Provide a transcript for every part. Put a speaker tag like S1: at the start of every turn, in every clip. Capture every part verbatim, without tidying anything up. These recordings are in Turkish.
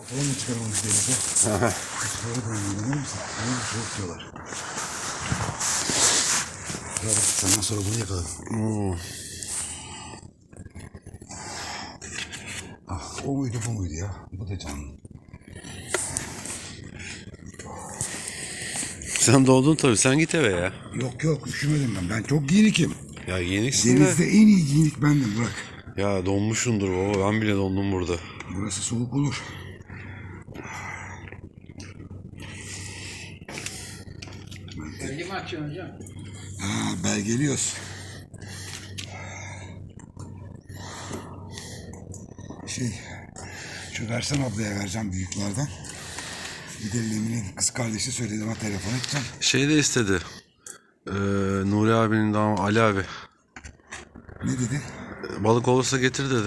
S1: Kafayı mı çıkarmamış denize? Sonra dönüyor, inanır mısın? Bunu soğuk diyorlar. Ya bak, senden sonra bunu yakaladım.
S2: Hmm.
S1: Ah, o muydu bu muydu ya? Bu da canlı.
S2: Sen doğdun tabii. Sen git eve ya.
S1: Yok yok, üşümedim ben. Ben çok giyinikim.
S2: Ya giyiniksin de.
S1: Denizde en iyi giyinik bendim, bırak.
S2: Ya donmuşsundur baba. Ben bile dondum burada.
S1: Burası soğuk olur.
S3: Belge mi açıyorsun hocam?
S1: Ha, belgeliyoruz. Şey, şu Versen ablaya vereceğim büyüklerden. Bir de Lemin'in kız kardeşi söyledi, ona telefon edeceğim.
S2: Şey de istedi. Ee, Nuri abinin damat Ali abi.
S1: Ne dedi?
S2: Balık olursa getir dedi.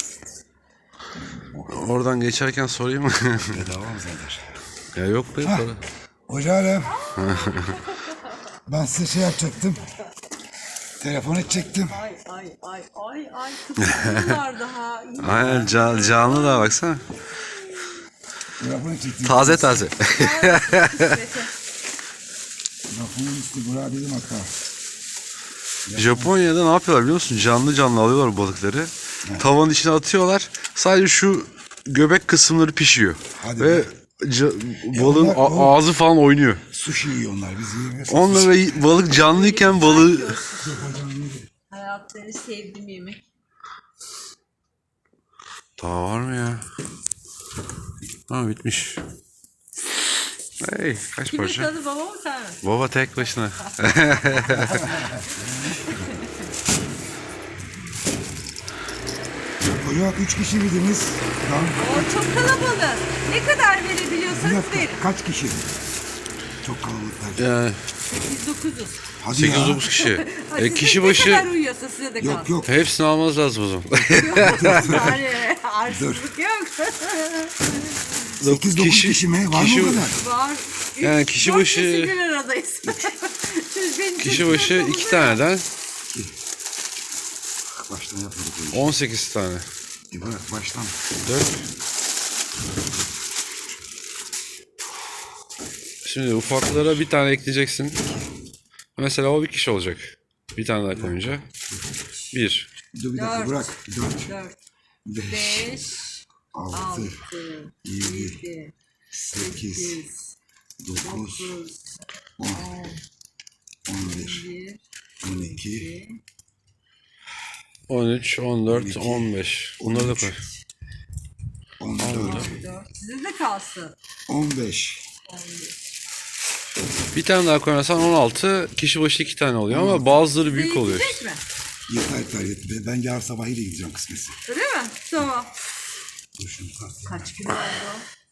S2: Oradan geçerken sorayım mı?
S1: Bedava mı zaten?
S2: Ya yok be
S1: Ha.
S2: para.
S1: Hoca Alem. Ben size şey yapacaktım. Telefon edecektim.
S4: Ay ay ay ay ay kıpkırmızılar daha. İyi.
S2: Aynen can, canlı da baksana.
S1: Telefon edecektim.
S2: Taze taze.
S1: Lafımın üstü Burak dedim hatta.
S2: Japonya'da ne yapıyorlar biliyor musun? Canlı canlı alıyorlar balıkları. Tavanın içine atıyorlar. Sadece şu göbek kısımları pişiyor.
S1: Hadi
S2: Ve
S1: be.
S2: ca- balığın
S1: onlar-
S2: a-
S1: o-
S2: ağzı falan oynuyor.
S1: Sushi yiyor onlar, biz yiyemiyoruz.
S2: Onlara y- balık canlıyken balığı...
S4: Hayatta en sevdiğim yemek.
S2: Daha var mı ya? Ha bitmiş. Hey kaç
S4: Kimin
S2: parça?
S4: tadı baba mı sen mi?
S2: Baba tek başına.
S1: Hocam üç kişi miydiniz? Tamam.
S4: O çok kalabalık. Ne kadar
S1: Bir
S4: verebiliyorsanız
S1: dakika,
S4: verin.
S1: kaç kişi? Çok kalabalıklar.
S2: Yani
S4: sekiz dokuzuz.
S1: Hadi
S2: sekiz
S1: ya.
S2: dokuz kişi.
S4: Hadi
S2: E,
S4: size
S2: kişi
S4: ne kadar
S2: başı
S4: uyuyorsa size de
S1: Yok
S4: kalsın.
S1: yok.
S2: hepsini almanız lazım o zaman.
S4: Yani arsızlık yok.
S1: sekiz dokuz
S2: kişi-
S1: kişi mi? Var
S2: kişi-
S1: mı o kadar?
S4: Var. Üç,
S2: Yani kişi
S4: dört
S2: başı-
S4: kişi bir aradayız. Siz benim
S2: Kişi
S4: çocuğum
S2: başı
S4: oldu
S2: iki
S4: ya.
S2: taneden
S1: Baştan yapmadık.
S2: on sekiz tane.
S1: E bırak baştan.
S2: dört. Şimdi ufaklara bir tane ekleyeceksin. Mesela o bir kişi olacak. Bir tane daha koyunca. Bir.
S1: Dur bir dakika,
S4: Dört.
S1: bırak. Dört,
S4: Dört,
S1: beş,
S4: beş,
S1: altı,
S4: altı,
S1: yedi,
S4: yedi,
S1: sekiz,
S4: sekiz,
S1: dokuz,
S4: dokuz,
S1: on, on bir,
S4: bir,
S1: on iki,
S2: on üç, on dört, on beş. Bunları da koy.
S1: on dört,
S4: dört. Size de kalsın.
S1: on beş.
S2: Bir tane daha koyarsan on altı. Kişi başı iki tane oluyor ama bazıları büyük
S4: Size
S2: oluyor.
S4: yetecek mi?
S1: Yeter yeter yeter. Ben yarın sabahıyla gideceğim kısmetse.
S4: Öyle mi? Tamam.
S1: Dur şunu tartayım.
S4: Kaç kilo oldu?